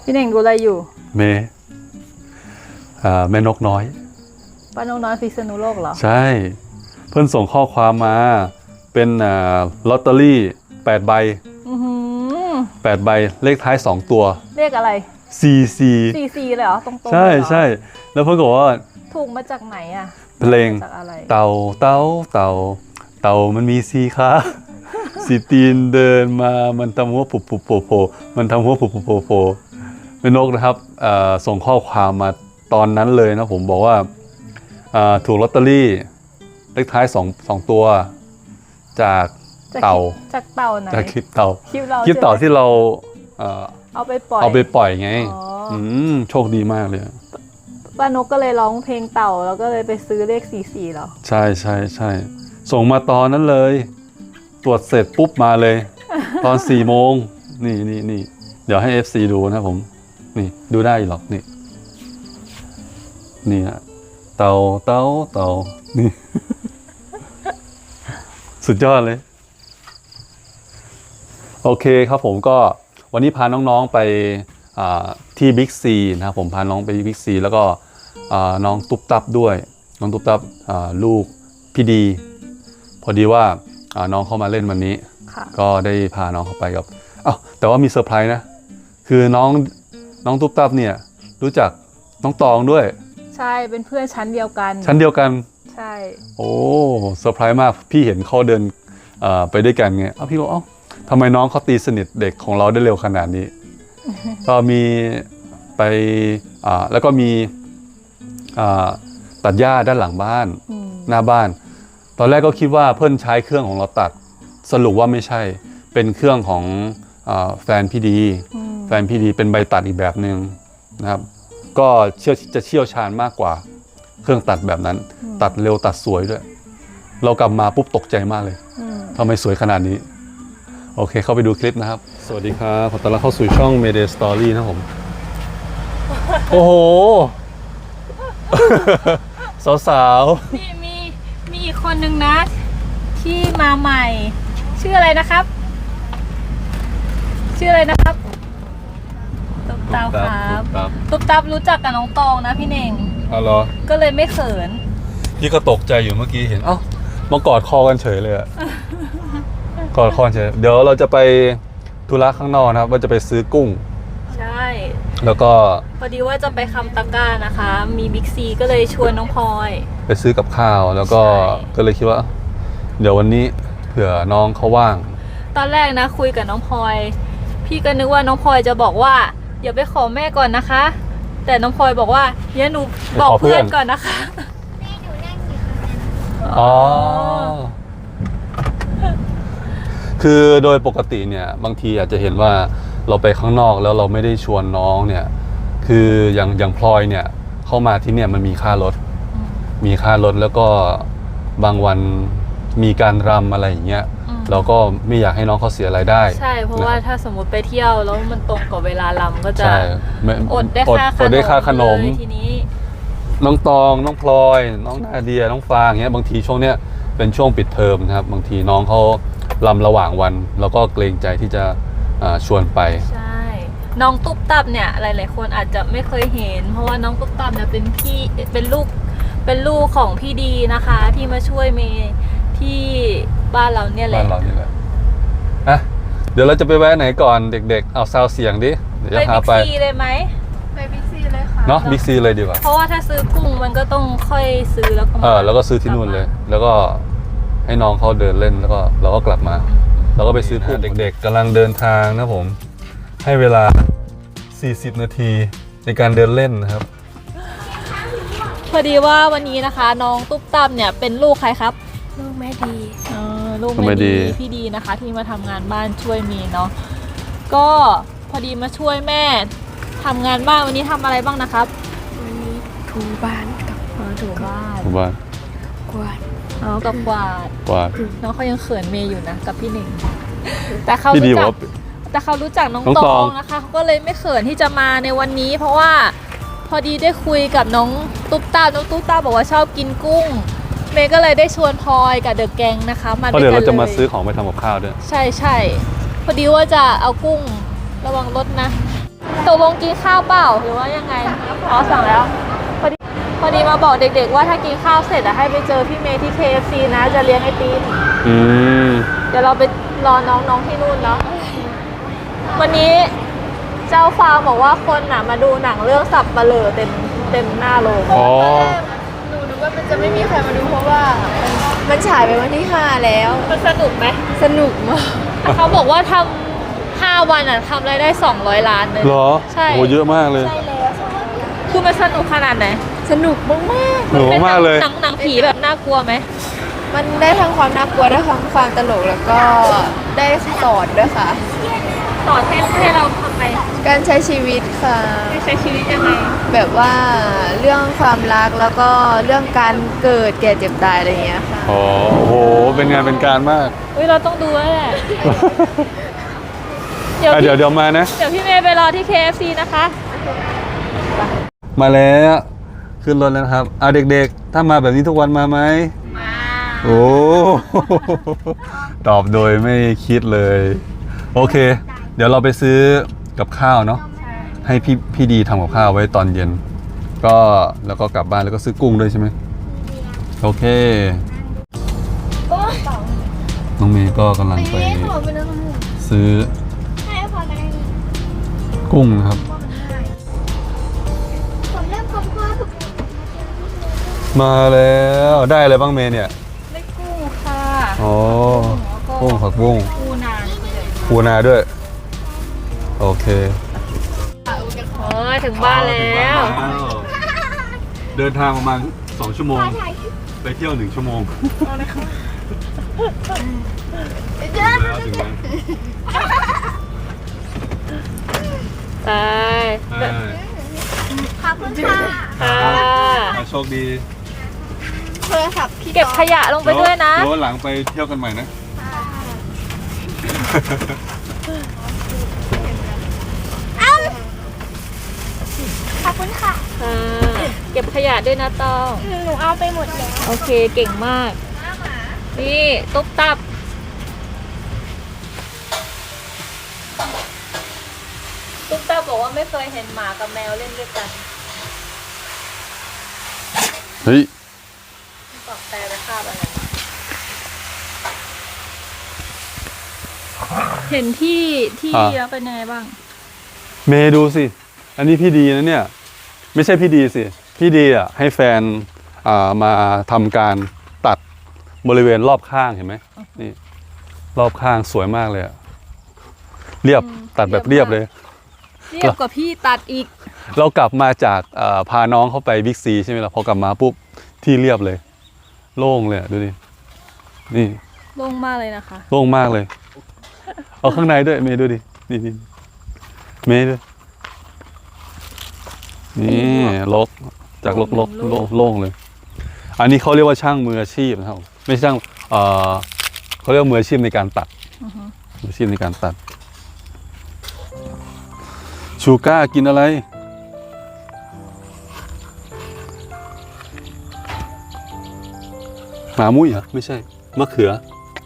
พี่เน่งดูอะไรอยู่แม่นกน้อยป้านกน้อยพิษณุโลกเหรอใช่เพิ่นส่งข้อความมาเป็นลอตเตอรี่8 ใบ8 ใบเลขท้าย2 ตัวเลขอะไร 44 เลยเหรอตรงๆใช่แล้วเพิ่นบอกว่าถูกมาจากไหนอ่ะเพลงเต่ามันมี4 ขาสีตีนเดินมามันทำหัวปุบปุบโผล่โผล่มันทำหัวปุบปุบโผล่โผล่แม่นกนะครับส่งข้อความมาตอนนั้นเลยนะผมบอกว่าถูกลอตเตอรี่เลขท้าย2 ตัวจากเต่าไหนจากคลิปเต่าที่เราเอาไปปล่อยไงโชคดีมากเลยป้านกก็เลยร้องเพลงเต่าแล้วก็เลยไปซื้อเลข44เหรอใช่ส่งมาตอนนั้นเลยตรวจเสร็จปุ๊บมาเลยตอน4 โมงนี่เดี๋ยวให้ FC ดูนะผมนี่ดูได้หรอกนี่ฮะเต่านี่ สุดยอดเลยโอเคครับผมก็วันนี้พาน้องๆไปที่บิ๊กซีนะครับผมพาน้องไปบิ๊กซีแล้วก็น้องตุ๊บตับด้วยน้องตุ๊บตับลูกพี่ดีพอดีว่าน้องเข้ามาเล่นวันนี้ก็ได้พาน้องเข้าไปกับแต่ว่ามีเซอร์ไพรส์นะคือน้องตุ๊บตับเนี่ยรู้จักน้องตองด้วยใช่เป็นเพื่อนชั้นเดียวกันใช่โอ้เซอร์ไพรส์มากพี่เห็นเขาเดินไปด้วยกันไงพี่บอกทำไมน้องเขาตีสนิทเด็กของเราได้เร็วขนาดนี้ ก็มีไปแล้วก็มีตัดหญ้าด้านหลังบ้านหน้าบ้านตอนแรกก็คิดว่าเพิ่นใช้เครื่องของเราตัดสรุปว่าไม่ใช่เป็นเครื่องของแฟนพี่ดีเป็นใบตัดอีกแบบหนึ่งนะครับก็จะเชี่ยวชาญมากกว่าเครื่องตัดแบบนั้นตัดเร็วตัดสวยด้วยเรากลับมาปุ๊บตกใจมากเลยทำไมสวยขนาดนี้โอเคเข้าไปดูคลิปนะครับสวัสดีครับขอต้อนรับเข้าสู่ช่อง Mayday Story นะผมโอ้โห สาวๆมีอีกคนนึงนะที่มาใหม่ชื่ออะไรนะครับตุ๊บตับครับตุ๊บตับรู้จักกับน้องตองนะพี่เน่งเหรอก็เลยไม่เขินพี่ก็ตกใจอยู่เมื่อกี้เห็นมากอดคอกันเฉยเลยอะกอดคอเฉยเดี๋ยวเราจะไปธุระข้างนอกนะครับว่าจะไปซื้อกุ้งใช่แล้วก็พอดีว่าจะไปคำตะกร้านะคะมีบิ๊กซีก็เลยชวนน้องพลอยไปซื้อกับข้าวแล้วก็เลยคิดว่าเดี๋ยววันนี้เผื่อน้องเขาว่างตอนแรกนะคุยกับน้องพลอยพี่ก็นึกว่าน้องพลอยจะบอกว่าอย่าไปขอแม่ก่อนนะคะแต่น้องพลอยบอกว่าเดี๋ยวหนูบอกเพื่อนก่อนนะคะแม่หนูนั่งอยู่ตรงนั้นคือโดยปกติเนี่ยบางทีอาจจะเห็นว่าเราไปข้างนอกแล้วเราไม่ได้ชวนน้องเนี่ยคืออย่างพลอยเนี่ยเข้ามาที่เนี่ยมันมีค่ารถแล้วก็บางวันมีการรำอะไรอย่างเงี้ยเราก็ไม่อยากให้น้องเขาเสียรายได้ใช่เพราะว่าถ้าสมมติไปเที่ยวแล้วมันตรงกับเวลารำก็จะอดได้ค่าขนมทีนี้น้องตองน้องพลอยน้องนาเดียน้องฟางเงี้ยบางทีช่วงเนี้ยเป็นช่วงปิดเทอมนะครับบางทีน้องเขารำระหว่างวันแล้วก็เกรงใจที่จะชวนไปใช่น้องตุ๊บตับเนี่ยหลายๆคนอาจจะไม่เคยเห็นเพราะว่าน้องตุ๊บตับเนี่ยเป็นลูกของพี่ดีนะคะที่มาช่วยเมย์ที่บ้านเราเนี่ยแหละเดี๋ยวเราจะไปแวะไหนก่อนเด็กๆเอาซาวเสียงดิเดี๋ยวจะพาไปบิ๊กซีเลยไหมไปบิ๊กซีเลยค่ะเนาะบิ๊กซีเลยดีกว่าเพราะว่าถ้าซื้อกุ้งมันก็ต้องค่อยซื้อแล้วก็แล้วก็ซื้อที่นู่นเลยแล้วก็ให้น้องเขาเดินเล่นแล้วก็เราก็กลับมาเราก็ไปซื้อกุ้งเด็กๆกำลังเดินทางนะผมให้เวลา40 นาทีในการเดินเล่นนะครับพอดีว่าวันนี้นะคะน้องตุ๊บตับเนี่ยเป็นลูกใครครับลูกแม่ดีลูกแม่ดีพี่ดีนะคะที่มาทำงานบ้านช่วยมีเนาะก็พอดีมาช่วยแม่ทำงานบ้านวันนี้ทำอะไรบ้างนะครับวันนี้ถูบ้านกับถูบ้านกวาดกับกวาดน้องเขายังเขินเมย์อยู่นะกับพี่หนึ่งแต่เขารู้จักน้องตองนะคะเขาก็เลยไม่เขินที่จะมาในวันนี้เพราะว่าพอดีได้คุยกับน้องตุ๊บตาบอกว่าชอบกินกุ้งเมย์ก็เลยได้ชวนพลอยกับเดอะแกงนะคะมาด้วยกันเลยเดี๋ยวเราจะมาซื้อของไปทำกับข้าวด้วยใช่พอดีว่าจะเอากุ้งระวังรถนะตกลงกินข้าวเปล่าหรือว่ายังไงอ๋อสั่งแล้วพอดีมาบอกเด็กๆว่าถ้ากินข้าวเสร็จให้ไปเจอพี่เมย์ที่ KFC นะจะเลี้ยงไอติม เดี๋ยวเราไปรอน้องๆที่นู่นเนาะวันนี้เจ้าฟาร์มบอกว่าคนมาดูหนังเรื่องสับปะเหร่อเต็มหน้าโรงอ๋อหนูนึกว่ามันจะไม่มีใครมาดูเพราะว่ามันฉายไปวันที่ 5 แล้วมันสนุกไหมสนุกมากเขาบอกว่าทำ5 วันทำรายได้200 ล้านเลยเหรอใช่โหเยอะมากเลยใช่แล้วคือมันสนุกขนาดไหนสนุกมากหนูมากเลยหนังผีแบบน่ากลัวไหมๆมันได้ทั้งความน่ากลัวได้ทั้งความตลกแล้วก็ได้สอนด้วยค่ะสอนให้เราทำไมการใช้ชีวิตค่ะให้ใช้ชีวิตยังไงแบบว่าเรื่องความรักแล้วก็เรื่องการเกิดแก่เจ็บตายอะไรอย่างเงี้ยค่ะอ๋อโอ้โห เป็นงานเป็นการมากอุ้ยเราต้องดูแล้วแหละ เดี๋ยวอ่ะพี่เดี๋ยวมานะเดี๋ยวพี่เมย์ไปรอที่ KFC นะคะมาแล้วขึ้นรถแล้วนะครับเด็กๆ ถ้ามาแบบนี้ทุกวันมาไหมมาโอ้ ตอบโดยไม่คิดเลย โอเค เดี๋ยวเราไปซื้อกับข้าวเนาะให้พี่ดีทำกับข้าวไว้ตอนเย็น ก็แล้วก็กลับบ้านแล้วก็ซื้อกุ้งด้วยใช่ไหมโอเค น้องเมย์ก็กำลังไปซื้อกุ้งนะครับ มาแล้วได้อะไรบ้างเมย์เนี่ยได้กุ้งค่ะอ๋อกุ้งผักบุ้งปูนาเลยปูนาด้วย โอเคถึงบ้านแล้วเดินทางประมาณ2 ชั่วโมง ไปเที่ยว1 ชั่วโมงแล้วถึงแล้วไปขอบคุณค่ะค่ะโชคดีโทรศัพท์พี่เก็บขยะลงไปด้วยนะเดี๋ยวหลังไปเที่ยวกันใหม่นะขอบคุณค่ะค่ะ เก็บขยะด้วยนะตองหนูเอาไปหมดแล้วโอเคเก่งมาก นี่ตุ๊บตับ ตุ๊บตับบอกว่าไม่เคยเห็นหมากับแมวเล่นด้วยกันเฮ้ยบอกแต่ไปคาบอะไร เห็นที่แล้วเป็นยังไงบ้างเมย์ดูสิ อันนี้พี่ดีนะเนี่ย ไม่ใช่พี่ดีสิ พี่ดีอ่ะให้แฟนมาทำการตัดบริเวณรอบข้างเห็นไหมนี่ รอบข้างสวยมากเลยอะเรียบตัดแบบเรียบเลยเรียบกว่าพี่ตัดอีกเรากลับมาจากพาน้องเข้าไปบิ๊กซีใช่ไหมล่ะพอกลับมาปุ๊บที่เรียบเลย โล่งเลยอะดูดินี่โล่งมากเลยนะคะโล่งมากเลย เอาข้างในด้วยเมย์ดูดินี่เมย์ด้วยนี่ลกจากลกโล่งเลย อันนี้เขาเรียกว่าช่างมืออาชีพนะครับไม่ใช่ช่างเขาเรียกว่ามืออาชีพในการตัดมืออาชีพในการตัดชูก้ากินอะไรหมามุ้ยเหรอไม่ใช่มะเขือ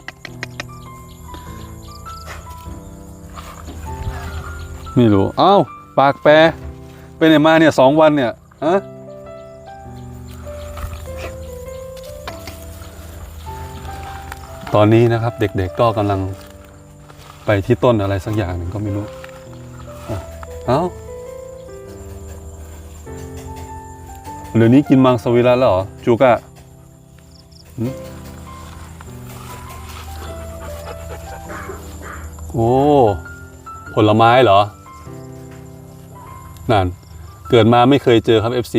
ไม่รู้อ้าวปากแปรไปไหนมาเนี่ย2 วันเนี่ยฮะตอนนี้นะครับเด็กๆก็กำลังไปที่ต้นอะไรสักอย่างหนึ่งก็ไม่รู้เอ้าเดี๋ยวนี้กินมังสวิรัติแล้วเหรอจูก้าโอ้ผลไม้เหรอนั่นเกิดมาไม่เคยเจอครับ FC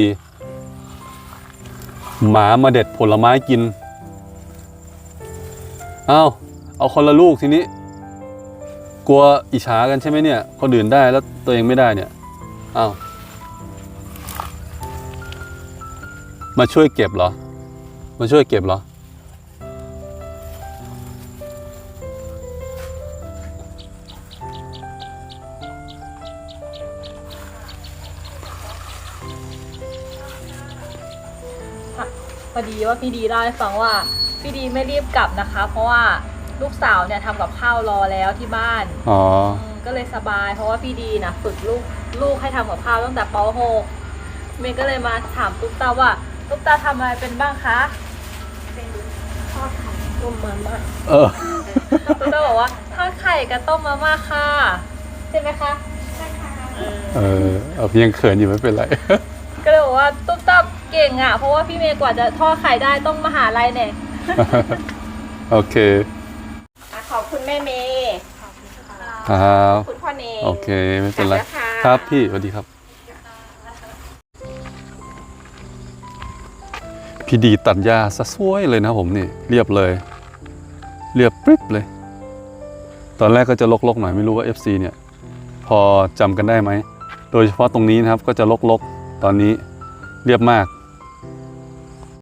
หมามาเด็ดผลไม้กินเอาคนละลูกทีนี้กลัวอิจฉากันใช่ไหมเนี่ยคนอื่นได้แล้วตัวเองไม่ได้เนี่ยมาช่วยเก็บเหรอมาช่วยเก็บเหรอพอดีว่าพี่ดีเล่าให้ฟังว่าพี่ดีไม่รีบกลับนะคะ เพราะว่าลูกสาวเนี่ยทำกับข้าวรอแล้วที่บ้านก็เลยสบายเพราะว่าพี่ดีนะฝึกลูกลูกให้ทำกับข้าวตั้งแต่ป .6 เมย์ก็เลยมาถามตุ๊กตาว่าตุ๊กตาทำอะไรเป็นบ้างคะเป็นทอดไข่ต้มมาม่า ตุ๊กตาบอกว่าทอดไข่กับต้มมาม่าค่ะใช่ไหมคะใช่ค่ะพี่ยังเขินอยู่ไม่เป็นไรก็เลยบอกว่าตุ๊กตาเก่งอ่ะเพราะว่าพี่เมย์กว่าจะทอดไข่ได้ต้องมหาลัยเนี่ยโอเคขอบคุณแม่เมย์ครับคุณพ่อเนยโอเคไม่เป็นไรกลับแล้วค่ะครับพี่สวัสดีครับ พี่ดีตัดหญ้าซะสวยเลยนะผมนี่เรียบเลย เรียบปริ๊บเลย ตอนแรกก็จะลกๆหน่อยไม่รู้ว่า FC เนี่ยพอจำกันได้ไหมโดยเฉพาะตรงนี้นะครับก็จะลกๆตอนนี้เรียบมาก